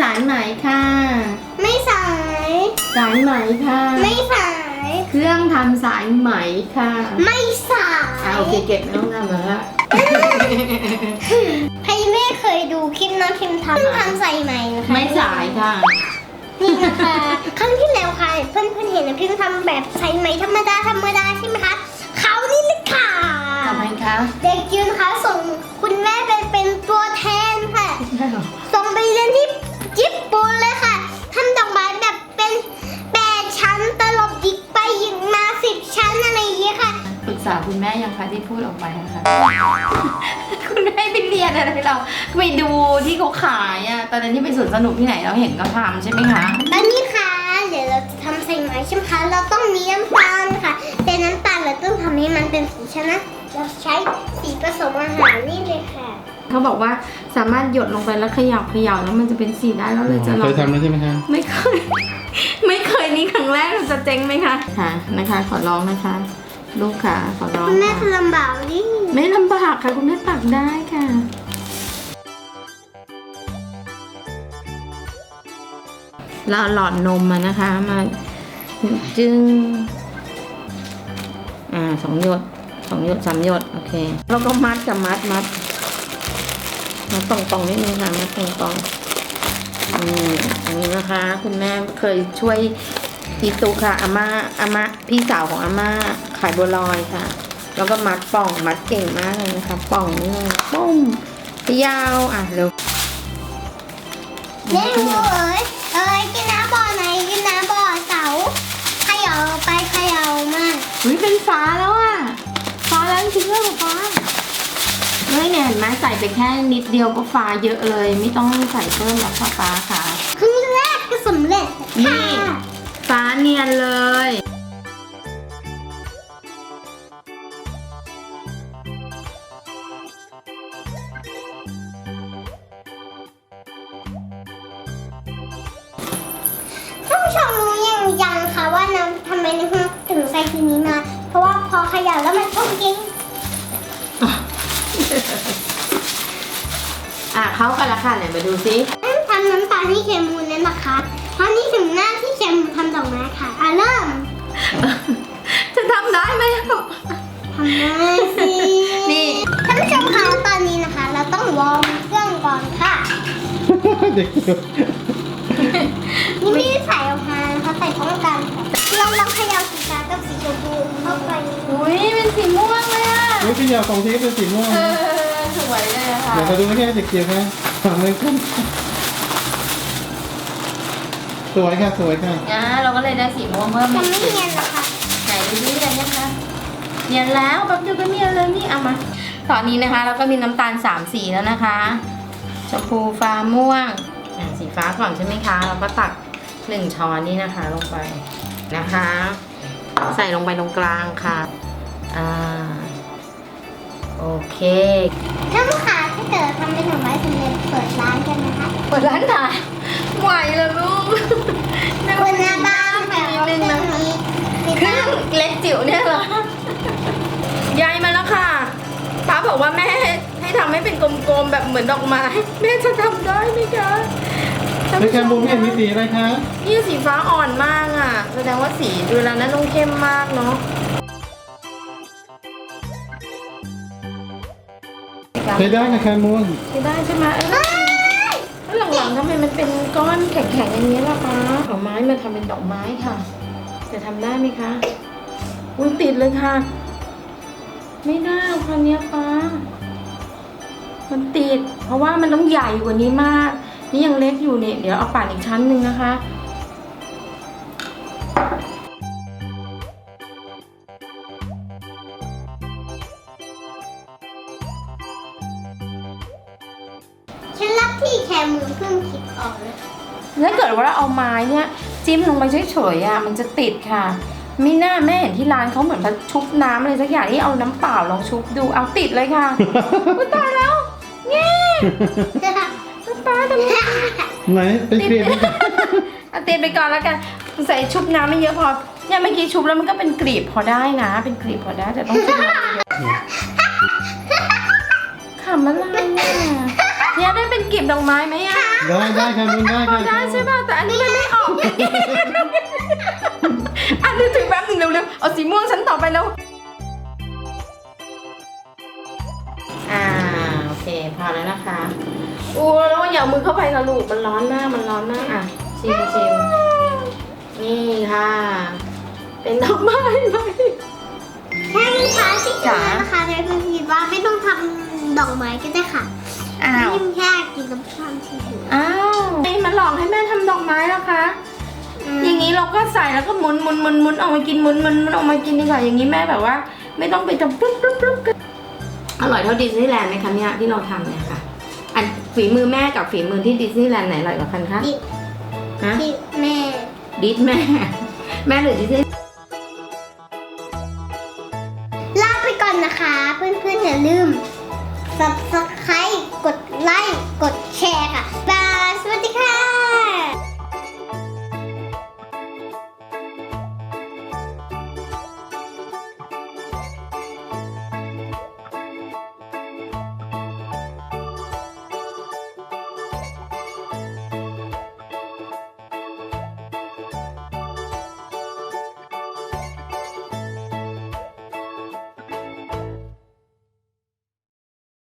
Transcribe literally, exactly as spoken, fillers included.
ายไหมค่ะไม่สายสายไหมค่ะไม่สายเครื่องทำสายไหมค่ะไม่สายอ่าโอเคเก็บไม่ต้องทำแล้วละใครไม่เคยดูคลิปน้องพิมพ์ทำทำใส่ไหมนะคะไม่สายค่ะนี่นะคะครั้งที่แล้วค่ะเพื่อนเพื่อนเห็นนะพิมพ์ทำแบบใส่ไหมธรรมดาธรรมดาใช่ไหมคะเขานี่เลยค่ะทำไมคะเด็กยืนคะส่งคุณแม่ไปเป็นตัวแทนค่ะใช่หรอส่งไปเรียนที่ญี่ปุ่นเลยค่ะทำดอกไม้แบบเป็นแปดชั้นตลบยิกไปยิกมาสิบชั้นอะไรอย่างเงี้ยค่ะปรึกษาคุณแม่ยังคะที่พูดออกไปนะคะคุณแม่ไปเรียนอะไรเราไปดูที่เขาขายอ่ะตอนนั้นที่ไปสวนสนุกที่ไหนเราเห็นเขาทำใช่ไหมคะตอนนี้ค่ะเดี๋ยวเราจะทำใส่ไหมใช่ไหมคะเราต้องมีน้ำตาลค่ะแต่น้ำตาลเราต้องทำให้มันเป็นสีชนะเราใช้สีผสมอาหารนี่เลยค่ะเขาบอกว่าสามารถหยดลงไปแล้วเขย่าเขย่าแล้วมันจะเป็นสีได้แล้วเลยจะลองเคยทำแล้วใช่ไหมคะไม่เคย ไม่เคยนี่ครั้งแรกเราจะเจ๊งไหมคะค่ะนะคะ ขอร้องนะคะ ลูกค่ะขอร้องคุณแม่ค่ะจะลำบากดิไม่ลำบากค่ะคุณแม่ตักได้ค่ะเราหลอดนมมานะคะมาจึงอ่าสองหยดสองหยดสามหยดโอเคแล้วก็มัดกับมัดมัดมัดตรงๆนิดนึงค่ะมัดตรงๆอืมอันนี้นะคะ คุณแม่เคยช่วยอีตุค่ะอาม่าอาม่าพี่สาวของอาม่าขายบัวลอยค่ะ แล้วก็มัดป่องมัดเก่งมากเลยนะคะป่องนี่เลยปุ้มยาวอ่ะเร็วเล่นงูเอ๋ยเอ๋ยกินน้ำบ่อไหนกินน้ำบ่อเสาเขย่าไปเขย่ามาอุ้ยเป็นฟ้าแล้วอ่ะฟ้าแล้วจริงๆด้วยเหรอฟ้าเฮ้ยเนี่ยเห็นไหมใส่ไปแค่นิดเดียวก็ฟ้าเยอะเลย ไม่ต้องใส่เพิ่มหรอกฟ้าค่ะครึ่งแรกก็สำเร็จนี่ค่ะฟ้าเนียนเลยท่านผู้ชมรู้ยังยังคะว่าน้ำทำไมน้ำถึงใส่ทีนี้มา เพราะว่าพอเขย่าแล้วมันพุ่งจริงอ่ะเข้ากันละค่ะไหนมาดูซิทำน้ำตาลที่เคมูลนั่นนะคะเพราะนี่ถึงหน้าที่เคมูลทำดอกไม้ค่ะอ่ะเริ่มจะทำได้ไหมทำได้สินี่ท่านผู้ชมคะตอนนี้นะคะ เราต้องวอร์มเครื่องก่อนค่ะเด็กเดียวนี่ไม่ได้ใส่ออกมานะคะใส่พร้อมกันค่ะเราลองเขย่าสีฟ้ากับสีชมพูเข้าไปอุ้ยเป็นสีม่วงเลยอ่ะนี่พี่ยาวของที่เป็นสีม่วงเออสวยเลยอะค่ะเดี๋ยวเราดูแค่เด็กเดียวค่ะทำเลยขึ้นสวยค่ะสวยค่ะอ่ะเราก็เลยได้สีม่วงเพิ่มจะอีกไม่เนียนนะคะไหนดูดิได้ยังคะเนียนแล้วแป๊บเดียวก็เนียนเลยนี่เอามาตอนนี้นะคะเราก็มีน้ำตาลสามสีแล้วนะคะชมพูฟ้าม่วงอ่ะสีฟ้าก่อนใช่ไหมคะเราก็ตักหนึ่งช้อนนี่นะคะลงไปนะคะ ใส่ลงไปตรงกลางค่ะอ่าโอเคท่านผู้ค้าถ้าเกิดทำเป็นดอกไม้สำเร็จเปิดร้านกันนะคะเปิดร้านขายไหวเหรอลูกเปิดหน้าบ้านแบบว่าเครื่องนี้ติดเครื่ตั้อง งเล็กจิ๋วเนี่ยเหรอ ยายมาแล้วค่ะป้าบอกว่าแม่ให้ทำให้เป็นกลมๆแบบเหมือนดอกไม้ แม่จะทำได้ไหมคะในแคมบูไม่เห็นมีสีอะไรคะนี่สีฟ้าอ่อนมากอ่ะ แสดงว่าสีดูแล้วนั้นต้องเข้มมากเนาะใช้ได้ค่ะแคมบูใช้ได้ใช่ไหมเออแล้วหลังๆทำไมมันเป็นก้อนแข็งๆอย่างนี้ล่ะคะเอาไม้มาทำเป็นดอกไม้ค่ะ จะทำได้ไหมคะอุ้ยติดเลยค่ะ ไม่ได้ค่ะเนี้ยป้ามันติด เพราะว่ามันต้องใหญ่กว่านี้มาก นี่ยังเล็กอยู่เนี่ยเดี๋ยวเอาป่านอีกชั้นหนึ่งนะคะฉันรับที่แคมูลเพิ่งคิดออกเลยถ้าเกิดว่าเราเอาไม้เนี่ยจิ้มลงไปเฉยๆอ่ะมันจะติดค่ะมีหน้าแม่เห็นที่ร้านเขาเหมือนมาชุบน้ำอะไรสักอย่างที่เอาน้ำเปล่าลองชุบดูเอาติดเลยค่ะ อุ๊ยตายแล้วแง่ป้าทำไงไหนเป็นเกลียดเอาติดไปก่อนแล้วกันใส่ชุบน้ำไม่เยอะพอเนี่ยเมื่อกี้ชุบแล้วมันก็เป็นกลีบพอได้นะ เป็นกลีบพอได้แต่ต้องชุบน้ำเยอะขำอะไรเนี่ยเนี่ยได้เป็นกลีบดอกไม้ไหมอะได้ได้ค่ะมุนได้ค่ะได้ใช่ป่ะแต่อันนี้มันไม่ออก อันนี้ถึงแป๊บหนึ่งเร็วๆเอาสีม่วงชั้นต่อไปแล้วอ่าโอเคพอแล้วนะคะอู้แล้วอย่าเอามือเข้าไปนะลูกมันร้อนมากมันร้อนมากอ่ะชิมชิมนี่ค่ะ เป็นดอกไม้ไหมแค่นี้ค่ะที่จ๋าจะนะคะในคุณคิดว่าไม่ต้องทำดอกไม้ก็ได้ค่ะอ้าวยิ่งแค่กินน้ำตาลทีเดียวอ้าวนี่มันหลอกให้แม่ทำดอกไม้แล้วคะ อย่างนี้เราก็ใส่แล้วก็หมุนหมุนหมุนหมุนออกมากินหมุนหมุนหมุนออกมากินดีกว่าอย่างนี้แม่แบบว่า ไม่ต้องไปทำปุ๊บปุ๊บปุ๊บอร่อยเท่าดิสนีย์แลนด์ไหมคะเนี่ยที่เราทำเนี่ยค่ะ อันฝีมือแม่กับฝีมือที่ดิสนีย์แลนด์ไหนอร่อยกว่ากันคะดิฮะดิแม่ดิสแม่ แม่หรือดิสนีย์ลาไปก่อนนะคะ เพื่อนๆอย่าลืม subscribe